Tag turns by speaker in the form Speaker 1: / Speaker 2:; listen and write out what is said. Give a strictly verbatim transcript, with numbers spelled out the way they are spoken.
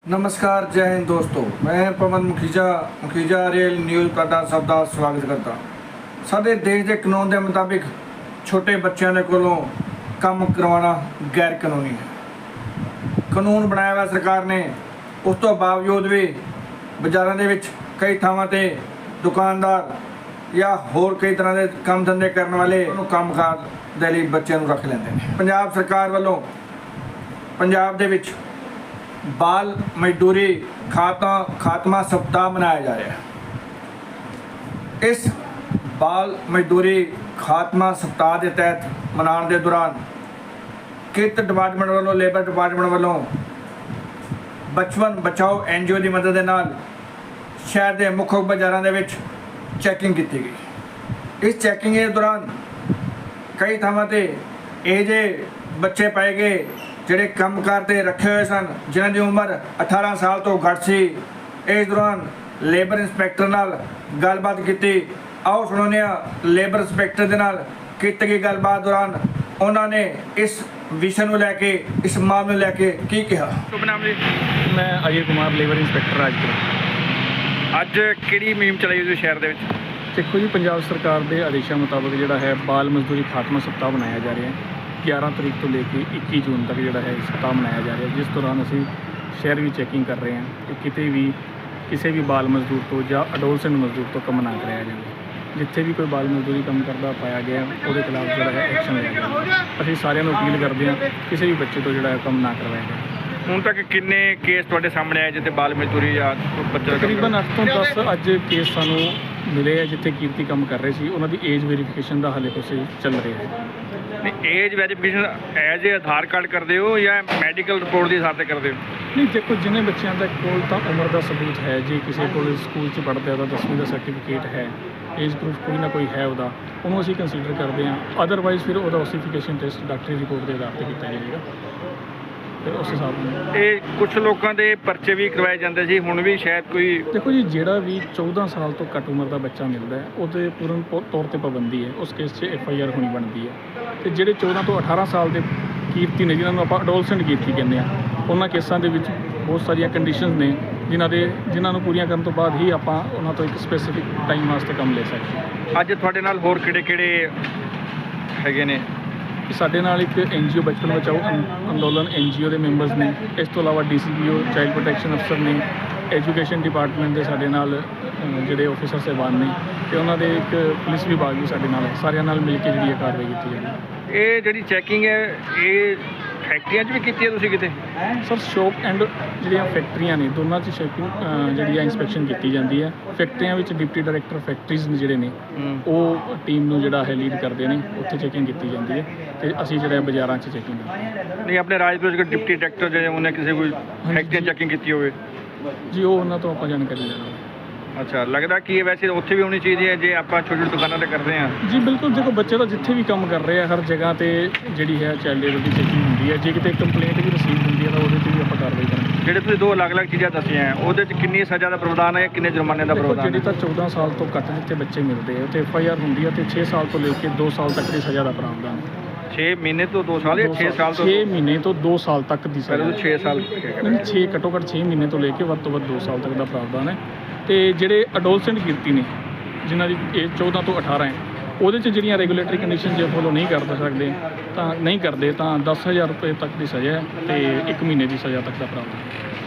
Speaker 1: नमस्कार, जय हिंद दोस्तों। मैं पवन मुखीजा मुखीजा रेल न्यूज़ ਤੁਹਾਡਾ ਸਭ ਦਾ ਸਵਾਗਤ ਕਰਦਾ। ਸਾਡੇ ਦੇਸ਼ ਦੇ ਕਾਨੂੰਨ ਦੇ ਮੁਤਾਬਿਕ ਛੋਟੇ ਬੱਚਿਆਂ ਦੇ ਕੋਲੋਂ ਕੰਮ ਕਰਵਾਉਣਾ ਗੈਰ ਕਾਨੂੰਨੀ ਹੈ। ਕਾਨੂੰਨ ਬਣਾਇਆ ਹੋਇਆ ਸਰਕਾਰ ਨੇ, ਉਸ ਤੋਂ ਬਾਵਜੂਦ ਵੀ ਬਾਜ਼ਾਰਾਂ ਦੇ ਵਿੱਚ ਕਈ ਥਾਵਾਂ ਤੇ ਦੁਕਾਨਦਾਰ ਜਾਂ ਹੋਰ ਕਈ ਤਰ੍ਹਾਂ ਦੇ ਕੰਮ ਧੰਦੇ ਕਰਨ ਵਾਲੇ ਉਹਨੂੰ ਕੰਮਕਾਰ ਦੇ ਲਈ ਬੱਚਿਆਂ ਨੂੰ ਰੱਖ ਲੈਂਦੇ ਨੇ। ਪੰਜਾਬ ਸਰਕਾਰ ਵੱਲੋਂ ਪੰਜਾਬ ਦੇ ਵਿੱਚ बाल मजदूरी खाता खात्मा सप्ताह मनाया जा रहा है। इस बाल मजदूरी खात्मा सप्ताह के तहत मनाने के दौरान किरत डिपार्टमेंट वालों लेबर डिपार्टमेंट वालों बचपन बचाओ एन जी ओ की मदद के नाल शहर के मुख्य बाजारों के विच चैकिंग की गई। इस चैकिंग के दौरान कई थावां ते ਇਹ जे बच्चे पाए गए ਜਿਹੜੇ ਕੰਮ ਕਰਦੇ ਰੱਖੇ ਹੋਏ ਸਨ, ਜਿਨ੍ਹਾਂ ਦੀ ਉਮਰ ਅਠਾਰਾਂ ਸਾਲ ਤੋਂ ਘੱਟ ਸੀ। ਇਸ ਦੌਰਾਨ ਲੇਬਰ ਇੰਸਪੈਕਟਰ ਨਾਲ ਗੱਲਬਾਤ ਕੀਤੀ। ਆਓ ਸੁਣਾਉਂਦੇ ਹਾਂ ਲੇਬਰ ਇੰਸਪੈਕਟਰ ਦੇ ਨਾਲ ਕੀਤੀ ਗਈ ਗੱਲਬਾਤ ਦੌਰਾਨ ਉਹਨਾਂ ਨੇ ਇਸ ਵਿਸ਼ੇ ਨੂੰ ਲੈ ਕੇ, ਇਸ ਮਾਮਲੇ ਨੂੰ ਲੈ ਕੇ ਕੀ ਕਿਹਾ।
Speaker 2: ਸ਼ੁਭ ਨਾਮ ਜੀ?
Speaker 3: ਮੈਂ ਅਜੇ ਕੁਮਾਰ ਲੇਬਰ ਇੰਸਪੈਕਟਰ ਰਾਜਪੁਰ।
Speaker 2: ਅੱਜ ਕਿਹੜੀ ਮੁਹਿੰਮ ਚਲਾਈ ਤੁਸੀਂ ਸ਼ਹਿਰ ਦੇ ਵਿੱਚ?
Speaker 3: ਦੇਖੋ ਜੀ, ਪੰਜਾਬ ਸਰਕਾਰ ਦੇ ਆਦੇਸ਼ਾਂ ਮੁਤਾਬਕ ਜਿਹੜਾ ਹੈ ਬਾਲ ਮਜ਼ਦੂਰੀ ਖਾਤਮਾ ਸਪਤਾਹ ਮਨਾਇਆ ਜਾ ਰਿਹਾ ਹੈ। ਗਿਆਰਾਂ ਤਰੀਕ ਤੋਂ ਲੈ ਕੇ ਇੱਕੀ ਜੂਨ ਤੱਕ ਜਿਹੜਾ ਹੈ ਸਪਤਾਹ ਮਨਾਇਆ ਜਾ ਰਿਹਾ, ਜਿਸ ਦੌਰਾਨ ਅਸੀਂ ਸ਼ਹਿਰ ਵਿੱਚ ਚੈਕਿੰਗ ਕਰ ਰਹੇ ਹਾਂ ਕਿ ਕਿਤੇ ਵੀ ਕਿਸੇ ਵੀ ਬਾਲ ਮਜ਼ਦੂਰ ਤੋਂ ਜਾਂ ਅਡੋਲਸੈਂਟ ਮਜ਼ਦੂਰ ਤੋਂ ਕੰਮ ਨਾ ਕਰਾਇਆ ਜਾਵੇ। ਜਿੱਥੇ ਵੀ ਕੋਈ ਬਾਲ ਮਜ਼ਦੂਰੀ ਕੰਮ ਕਰਦਾ ਪਾਇਆ ਗਿਆ ਉਹਦੇ ਖਿਲਾਫ ਜਿਹੜਾ ਹੈ ਐਕਸ਼ਨ ਲਿਆ ਜਾਵੇ। ਅਸੀਂ ਸਾਰਿਆਂ ਨੂੰ ਅਪੀਲ ਕਰਦੇ ਹਾਂ ਕਿਸੇ ਵੀ ਬੱਚੇ ਤੋਂ ਜਿਹੜਾ ਹੈ ਕੰਮ ਨਾ ਕਰਵਾਇਆ ਜਾਵੇ।
Speaker 2: ਹੁਣ ਤੱਕ ਕਿੰਨੇ ਕੇਸ ਤੁਹਾਡੇ ਸਾਹਮਣੇ ਆਏ ਜਿੱਥੇ ਬਾਲ ਮਜ਼ਦੂਰੀ ਜਾਂ ਬੱਚਾ?
Speaker 3: ਤਕਰੀਬਨ ਅੱਠ ਤੋਂ ਦਸ ਅੱਜ ਕੇਸ ਸਾਨੂੰ ਮਿਲੇ ਆ ਜਿੱਥੇ ਕੀਰਤੀ ਕੰਮ ਕਰ ਰਹੇ ਸੀ। ਉਹਨਾਂ ਦੀ ਏਜ ਵੈਰੀਫਿਕੇਸ਼ਨ ਦਾ ਹਾਲੇ ਕੁਛ ਚੱਲ ਰਿਹਾ ਹੈ।
Speaker 2: ਨਹੀਂ, ਏਜ ਵੈਰੀਫਿਕੇਸ਼ਨ ਐਜ ਏ ਆਧਾਰ ਕਾਰਡ ਕਰਦੇ ਹੋ ਜਾਂ ਮੈਡੀਕਲ ਰਿਪੋਰਟ ਦੇ ਹਿਸਾਬ 'ਤੇ ਕਰਦੇ ਹੋ?
Speaker 3: ਨਹੀਂ, ਦੇਖੋ ਜਿਹਨੇ ਬੱਚਿਆਂ ਦਾ ਕੋਲ ਤਾਂ ਉਮਰ ਦਾ ਸਬੂਤ ਹੈ। ਜੇ ਕਿਸੇ ਕੋਲ ਸਕੂਲ 'ਚ ਪੜ੍ਹਦਾ ਉਹਦਾ ਦਸਵੀਂ ਦਾ ਸਰਟੀਫਿਕੇਟ ਹੈ, ਏਜ ਪ੍ਰੂਫ ਕੋਈ ਨਾ ਕੋਈ ਹੈ ਉਹਦਾ, ਉਹਨੂੰ ਅਸੀਂ ਕੰਸੀਡਰ ਕਰਦੇ ਹਾਂ। ਅਦਰਵਾਈਜ਼ ਫਿਰ ਉਹਦਾ ਓਸੀਫਿਕੇਸ਼ਨ ਟੈਸਟ ਡਾਕਟਰੀ ਰਿਪੋਰਟ ਦੇ ਆਧਾਰ 'ਤੇ ਕੀਤਾ ਜਾਏਗਾ। ਫਿਰ ਉਸ ਹਿਸਾਬ ਨਾਲ
Speaker 2: ਇਹ ਕੁਛ ਲੋਕਾਂ ਦੇ ਪਰਚੇ ਵੀ ਕਰਵਾਏ ਜਾਂਦੇ ਸੀ, ਹੁਣ ਵੀ ਸ਼ਾਇਦ ਕੋਈ।
Speaker 3: ਦੇਖੋ ਜੀ, ਜਿਹੜਾ ਵੀ ਚੌਦਾਂ ਸਾਲ ਤੋਂ ਘੱਟ ਉਮਰ ਦਾ ਬੱਚਾ ਮਿਲਦਾ ਹੈ ਉਹਦੇ ਪੂਰਨ ਪੋ- ਤੌਰ 'ਤੇ ਪਾਬੰਦੀ ਹੈ। ਉਸ ਕੇਸ 'ਚ ਐਫ ਆਈ ਆਰ ਹੋਣੀ ਬਣਦੀ ਹੈ। ਅਤੇ ਜਿਹੜੇ ਚੌਦਾਂ ਤੋਂ ਅਠਾਰਾਂ ਸਾਲ ਦੇ ਕੀਰਤੀ ਨੇ, ਜਿਨ੍ਹਾਂ ਨੂੰ ਆਪਾਂ ਅਡੋਲਸੈਂਟ ਕੀਰਤੀ ਕਹਿੰਦੇ ਹਾਂ, ਉਹਨਾਂ ਕੇਸਾਂ ਦੇ ਵਿੱਚ ਬਹੁਤ ਸਾਰੀਆਂ ਕੰਡੀਸ਼ਨਸ ਨੇ ਜਿਨ੍ਹਾਂ ਦੇ ਜਿਨ੍ਹਾਂ ਨੂੰ ਪੂਰੀਆਂ ਕਰਨ ਤੋਂ ਬਾਅਦ ਹੀ ਆਪਾਂ ਉਹਨਾਂ ਤੋਂ ਇੱਕ ਸਪੈਸੀਫਿਕ ਟਾਈਮ ਵਾਸਤੇ ਕੰਮ ਲੈ ਸਕਦੇ ਹਾਂ।
Speaker 2: ਅੱਜ ਤੁਹਾਡੇ ਨਾਲ ਹੋਰ ਕਿਹੜੇ ਕਿਹੜੇ ਹੈਗੇ ਨੇ?
Speaker 3: ਕਿ ਸਾਡੇ ਨਾਲ ਇੱਕ ਐਨ ਜੀ ਓ ਬਚਪਨ ਬਚਾਓ ਅੰ- ਅੰਦੋਲਨ ਐਨ ਜੀ ਓ ਦੇ ਮੈਂਬਰਸ ਨੇ। ਇਸ ਤੋਂ ਇਲਾਵਾ D C P O child protection ਅਫਸਰ ਨੇ, ਐਜੂਕੇਸ਼ਨ ਡਿਪਾਰਟਮੈਂਟ ਦੇ ਸਾਡੇ ਨਾਲ ਅ, ਜਿਹੜੇ ਆਫਿਸਰ ਸਾਹਿਬਾਨ ਨੇ, ਅਤੇ ਉਹਨਾਂ ਦੇ ਇੱਕ ਪੁਲਿਸ ਵਿਭਾਗ ਵੀ ਸਾਡੇ ਨਾਲ ਹੈ। ਸਾਰਿਆਂ ਨਾਲ ਮਿਲ ਕੇ ਜਿਹੜੀ ਇਹ ਕਾਰਵਾਈ ਕੀਤੀ ਜਾਂਦੀ ਹੈ।
Speaker 2: ਇਹ ਜਿਹੜੀ ਚੈਕਿੰਗ ਹੈ ਇਹ ਫੈਕਟਰੀਆਂ 'ਚ ਵੀ ਕੀਤੀ ਹੈ ਤੁਸੀਂ ਕਿਤੇ?
Speaker 3: ਸਰ, ਸ਼ੋਪ ਐਂਡ ਜਿਹੜੀਆਂ ਫੈਕਟਰੀਆਂ ਨੇ ਦੋਨਾਂ 'ਚ ਸ਼ੈਕਿੰਗ ਜਿਹੜੀ ਆ ਇੰਸਪੈਕਸ਼ਨ ਕੀਤੀ ਜਾਂਦੀ ਹੈ। ਫੈਕਟਰੀਆਂ ਵਿੱਚ ਡਿਪਟੀ ਡਾਇਰੈਕਟਰ ਫੈਕਟਰੀਜ਼ ਨੇ ਜਿਹੜੇ ਨੇ ਉਹ ਟੀਮ ਨੂੰ ਜਿਹੜਾ ਹੈ ਲੀਡ ਕਰਦੇ ਨੇ, ਉੱਥੇ ਚੈਕਿੰਗ ਕੀਤੀ ਜਾਂਦੀ ਹੈ। ਅਤੇ ਅਸੀਂ ਜਿਹੜਾ ਬਾਜ਼ਾਰਾਂ 'ਚ ਚੈਕਿੰਗ ਕਰਦੇ ਹਾਂ।
Speaker 2: ਨਹੀਂ, ਆਪਣੇ ਰਾਜਪੁਰ ਦੇ ਡਿਪਟੀ ਡਾਇਰੈਕਟਰ ਜਿਹੜੇ ਉਹਨੇ ਕਿਸੇ ਕੋਈ ਫੈਕਟਰੀ ਚੈਕਿੰਗ ਕੀਤੀ ਹੋਵੇ?
Speaker 3: ਜੀ, ਉਹ ਉਹਨਾਂ ਤੋਂ ਆਪਾਂ ਜਾਣਕਾਰੀ ਲੈਣਾ।
Speaker 2: ਅੱਛਾ, ਲੱਗਦਾ ਕਿ ਇਹ ਵੈਸੇ ਉੱਥੇ ਵੀ ਹੋਣੀ ਚਾਹੀਦੀ ਹੈ ਜੇ ਆਪਾਂ ਛੋਟੀ ਛੋਟੀ ਦੁਕਾਨਾਂ 'ਤੇ ਕਰਦੇ ਹਾਂ?
Speaker 3: ਜੀ ਬਿਲਕੁਲ, ਦੇਖੋ ਬੱਚੇ ਤਾਂ ਜਿੱਥੇ ਵੀ ਕੰਮ ਕਰ ਰਹੇ ਆ ਹਰ ਜਗ੍ਹਾ ਤੇ ਜਿਹੜੀ ਹੈ ਚਾਈਲਡ ਲੇਬਰ ਦੀ ਚੈਕਿੰਗ ਹੁੰਦੀ ਹੈ। ਜੇ ਕਿਤੇ ਕੰਪਲੇਂਟ ਵੀ ਰਸੀਵ ਹੁੰਦੀ ਹੈ ਤਾਂ ਉਹਦੇ 'ਤੇ ਵੀ ਆਪਾਂ ਕਾਰਵਾਈ ਕਰਾਂਗੇ।
Speaker 2: ਜਿਹੜੇ ਤੁਸੀਂ ਦੋ ਅਲੱਗ-ਅਲੱਗ ਚੀਜ਼ਾਂ ਦੱਸੀਆਂ ਹੈ ਉਹਦੇ 'ਚ ਕਿੰਨੀ ਸਜ਼ਾ ਦਾ ਪ੍ਰਾਵਧਾਨ ਹੈ, ਕਿੰਨੇ ਜੁਰਮਾਨੇ ਦਾ
Speaker 3: ਦੇਖੋ,
Speaker 2: ਪ੍ਰਾਵਧਾਨ
Speaker 3: ਜਿਹੜੀ
Speaker 2: ਹੈ?
Speaker 3: ਤਾਂ ਚੌਦਾਂ ਸਾਲ ਤੋਂ ਘੱਟ ਜਿੱਥੇ ਬੱਚੇ ਮਿਲਦੇ ਆ ਉੱਥੇ ਐਫ ਆਈ ਆਰ ਹੁੰਦੀ ਹੈ, ਅਤੇ ਛੇ ਸਾਲ ਤੋਂ ਲੈ ਕੇ ਦੋ ਸਾਲ ਤੱਕ ਦੀ ਸਜ਼ਾ ਦਾ ਪ੍ਰਾਵਧਾਨ ਹੈ।
Speaker 2: ਛੇ ਮਹੀਨੇ ਤੋਂ ਦੋ ਸਾਲ ਜਾਂ ਛੇ ਸਾਲ ਤੋਂ?
Speaker 3: ਛੇ ਮਹੀਨੇ ਤੋਂ ਦੋ ਸਾਲ ਤੱਕ ਦੀ
Speaker 2: ਪਹਿਲਾਂ
Speaker 3: ਸਜ਼ਾ।
Speaker 2: ਤਾਂ ਛੇ ਸਾਲ
Speaker 3: ਨਹੀਂ, ਛੇ ਘੱਟੋ ਘੱਟ ਛੇ ਮਹੀਨੇ ਤੋਂ ਲੈ ਕੇ ਵੱਧ ਤੋਂ ਵੱਧ ਦੋ ਸਾਲ ਤੱਕ ਦਾ ਪ੍ਰਾਵਧਾਨ ਹੈ। ਅਤੇ ਜਿਹੜੇ ਅਡੋਲਸੈਂਟ ਕਿਰਤੀ ਨੇ ਜਿਨ੍ਹਾਂ ਦੀ ਏਜ ਚੌਦਾਂ ਤੋਂ ਅਠਾਰਾਂ ਹੈ, ਉਹਦੇ 'ਚ ਜਿਹੜੀਆਂ ਰੈਗੂਲੇਟਰੀ ਕੰਡੀਸ਼ਨ ਜੇ ਫੋਲੋ ਨਹੀਂ ਕਰ ਸਕਦੇ ਤਾਂ ਨਹੀਂ ਕਰਦੇ ਤਾਂ ਦਸ ਹਜ਼ਾਰ ਰੁਪਏ ਤੱਕ ਦੀ ਸਜ਼ਾ ਹੈ ਅਤੇ ਇੱਕ ਮਹੀਨੇ ਦੀ ਸਜ਼ਾ ਤੱਕ ਦਾ ਪ੍ਰਾਵਧਾਨ ਹੈ।